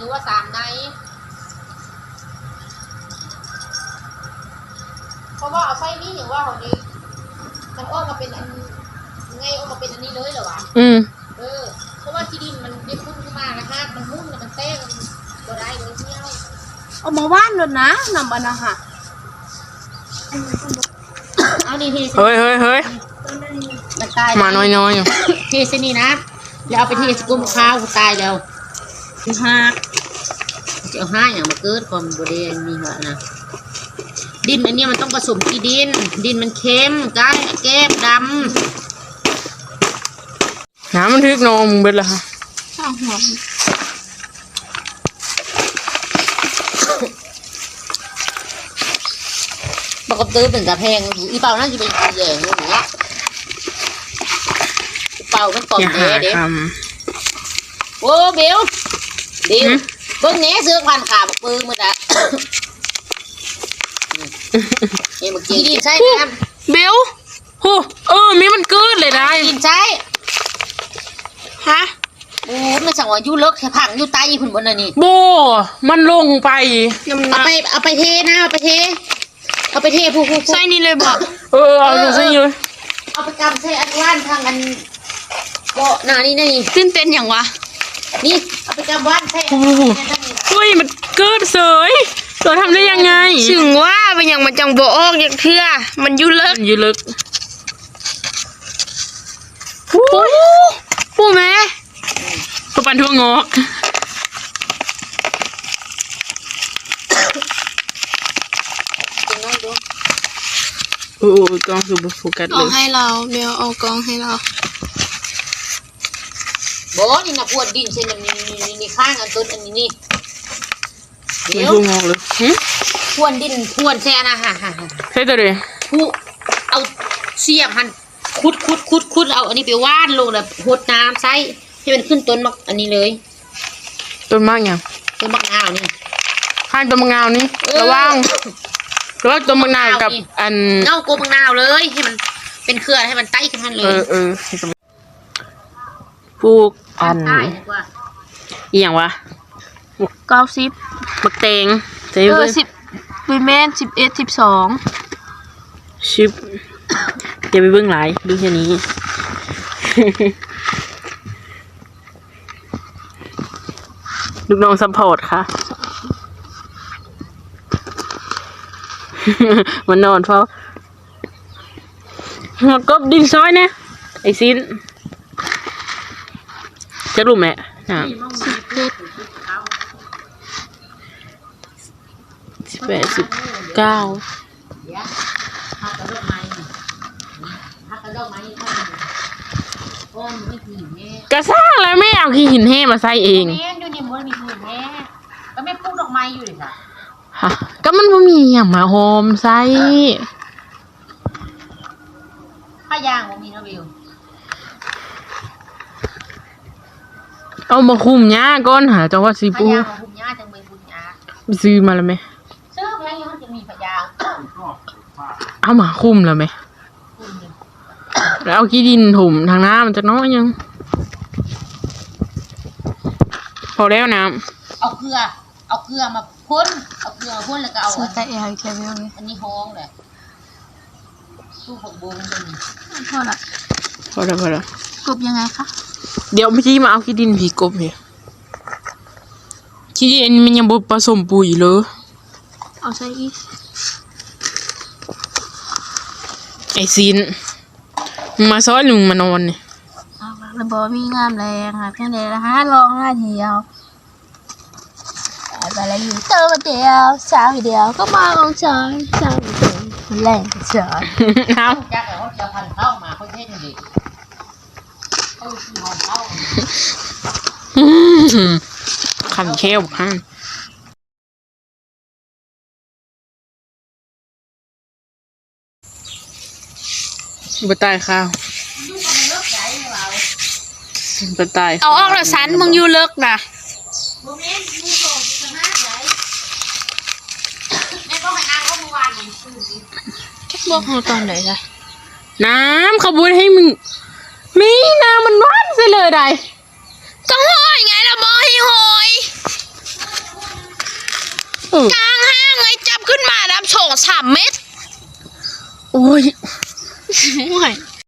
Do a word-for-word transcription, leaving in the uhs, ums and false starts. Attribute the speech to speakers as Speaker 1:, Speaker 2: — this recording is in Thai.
Speaker 1: รือว่าสามในเพราะว่าเอาไส้นี่อย่างว่าของนี้มันออกมาเป็นอันไงออกมาเป็นอันนี้เลยเหรอวะ
Speaker 2: อืม
Speaker 1: เออเพราะว่าที่ดินมันได้พุ่งขึ้นมานะคะมันหุ้นมันเต้งก็ได้เลยเที่ยว
Speaker 3: เอามาว่านเลยนะนำอันนะค่ะ
Speaker 1: เอานี่ที
Speaker 2: เฮ้ยเฮ้ยเฮ้ย
Speaker 1: มันตาย
Speaker 2: มาน้อยน้อยอยู่
Speaker 1: ทีเสนี่นะแล้วเอาไปทีสกุลข้าวตายแล้วห้าเจ้าห้าอย่างมาเกิดความบริเวณนี้เหรอนะดินอันนี้มันต้องผสมกี่ดินดินมันเค็มก้านแก้มด
Speaker 2: ำน้ำมันทึกนมเบิดละค่ะ
Speaker 3: ข้าวหอม
Speaker 1: ปกติเป็นกระแพงอีเป่าน่าจะเป็นแย่งอย่างเงี้ยเป่ามันกรอบแน่เด็กโอ้เบลเบลเบิ้งแหน่ซื้อพันขาบปืนมือละเอ็มกินใช่ไหม
Speaker 2: เบลโหเออมีมันเกิดเลยได้
Speaker 1: กินใช่
Speaker 2: ฮะ
Speaker 1: โอ้มันสั่งว่ายู่เลิกแค่ผังยู่ไตคุณบนนั่นนี่
Speaker 2: โบมันลงไป
Speaker 1: เอาไปเอาไปเทนะเอาไปเทเอาไปเทผู้ผู้
Speaker 3: ใส่นี่เลยบอก
Speaker 2: เออเอาใส่เลย
Speaker 1: เอาไปกำใส่อันว่านทางอันเบาะหน้านี่นี่
Speaker 3: ตื่นเต้นอย่างวะ
Speaker 1: นี่เอาไปกำว่านใส่
Speaker 2: เฮ้ยมันเกิดเสยเราทำได้ยังไง
Speaker 3: ถึงว่าเป็นอย่างมันจังโบออกอย่างเทื่อมันยุ่เลิก
Speaker 2: ยุ่เลิก
Speaker 3: ปูปูแม่
Speaker 2: ตัวปันทั่วงอกโอ้กล้องสูบโฟกัสเลย
Speaker 3: เอาให้เราเบลเอากล้องให้เรา
Speaker 1: บอกนี่นะพวดดินเช่นนี้นี่นี่ข้างอันต้นอันนี้นี่
Speaker 2: เดี๋ยวงอกเลย
Speaker 1: พวนดินพวนแช่นะฮะฮะ
Speaker 2: ใช่ตัวเดียว
Speaker 1: ผู้เอาเสียบหันคุดคุดคุดคุดเอาอันนี้ไปว่านลงแล้วหดน้ำใส่ให้มันขึ้นต้นมักอันนี้เลย
Speaker 2: ต้นมากยัง
Speaker 1: ต้นมะนาวนี่
Speaker 2: ข้างต้นมะนาวนี่ระวังแล้วต้นมะนาวกับอัน
Speaker 1: เงาโกมะนาวเลยให้มันเป็นเครือให้มันไต่ขึ้นทันเลย
Speaker 2: เออเออปลูกอันอีหยังวะ
Speaker 3: เก้าสิบ
Speaker 2: บักเตง
Speaker 3: เออสิบวิเมนสิบเอ็ดสิบสอง
Speaker 2: ชิปอย่าไปเบื้องหลายดูแค่นี้ลูกน้องซัพพอร์ตค่ะมันนอนเฝ้าหัวกบดินซ้อยเนี่ยไอซินจะรู้ไหมอ่ะสิบแปดสิบเก้ากระซ่าแล้วไม่เอาขี้หินแห่มาใส่เอง
Speaker 1: แม่อยู่นี่มันมีหินแห่ก็ไม่ปลูกดอกไม้อยู่เลยค่ะ
Speaker 2: ฮะก็มันไม่มีอย่างมาโฮมใส่
Speaker 1: ผ้ายางมันมีนะวิว
Speaker 2: เอามาคุมหญ้าก้อนหาจังหวัดสีปู
Speaker 1: ผ้ายางมาคุมหญ้าจังเมืองบุญหญ้า
Speaker 2: ซื้อมาแล้วไหม
Speaker 1: ซื้อแพงยังจะมีผ้ายาง
Speaker 2: เอามาคุมแล้วไหมแล้วเอาขี้ดินถมทางน้ำมันจะน้อยยังพอแล้วน้
Speaker 1: ำเอาเกลือเอาเกลือมาพ่นเอาเกลือมาพ่นแล้วก็เอา
Speaker 3: ใส่แอร์แค่เดียวเลย
Speaker 1: อันนี้ห้องเลยสู้ผักบุ้งมัน
Speaker 3: พอละ
Speaker 2: พอแล้วพอแล้ว
Speaker 3: กบยังไงคะ
Speaker 2: เดี๋ยวพี่มาเอาขี้ดินผีกบเนี่ยขี้ดินมันยังบดผสมปุ๋ยเลย
Speaker 3: เอาใส่อีก
Speaker 2: ไอซินมาซ้อนลุงมานอนเนี่ย
Speaker 3: เอาระบบมีงามแรงค่ะเพียงเดียวละห้าลองห้าเดียวไปแล้วอยู่เติมเดียวสาวเดียวก็มาของฉันสาวเดียวแรงฉัน
Speaker 1: เอาจากแล้วจะพันเข้ามาเขาเท่ดีเขาที่ห้องเข้า
Speaker 2: ขันเขี้ยวข้างบะตายข้าวบะตาย
Speaker 3: เอาออกแล้วสันมึงอยู่เลิกนะบอกเขาตอนไหนล่ะ
Speaker 2: น้ำขบุนให้มึงมีน้ำมันร้อนซะเลยได้
Speaker 3: ก็หอยไงล่ะบอกให้หอยกลางห้างไงจับขึ้นมาน้ำโฉงสามเม็ด
Speaker 2: โอ้ย
Speaker 3: ห่วย